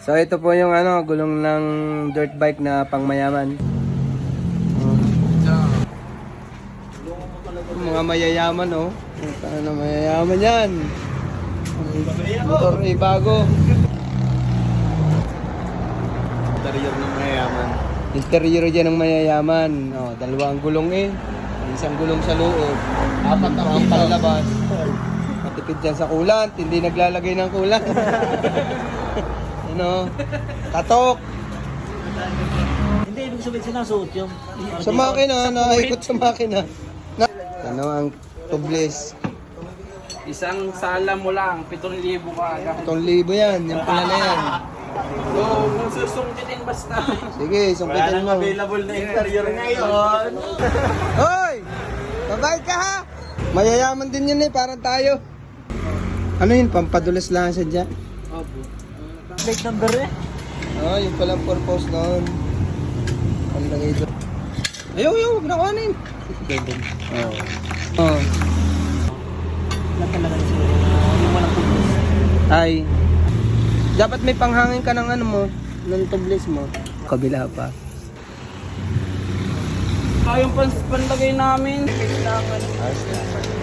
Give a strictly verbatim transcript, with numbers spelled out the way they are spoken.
So ito po yung ano, gulong ng dirt bike na pangmayaman. Oh. Mga mayayaman oh. Ano na mayayaman yan. Motor ay bago. Interior ng mayayaman. Interior dyan ng mayayaman. Oh, dalawang gulong eh. Isang gulong sa loob. Apat na ang palabas. Matipid dyan sa kulant. Hindi naglalagay ng kulant. Ano? Katok. Hindi, ibig sabihin sinasuot yung... Sa makina, nakikot sa makina. Na, ano ang tubeless? Isang sala mo lang, pitong libo ka agad. Itong libo yan, yung pula na yan. So, kung susungkitin basta. Sige, Wala sungkitin nang mo. available na interior ngayon. Hoy! Babayad ka ha! Mayayaman din yun eh, parang tayo. Ano yun, pampadulas lang sa dyan? Plate number eh. Oh, yung palang purpose noon. Ang lagay doon. Ayaw, ayaw, huwag na kuhanin. Oo. Oh. Wala talaga na siguro. Yung walang tubos. Ay. Dapat may panghangin ka ng ano mo, ng tubeless mo. Kabila pa. Kayong pan panlagay namin. Kailangan. Ayos na.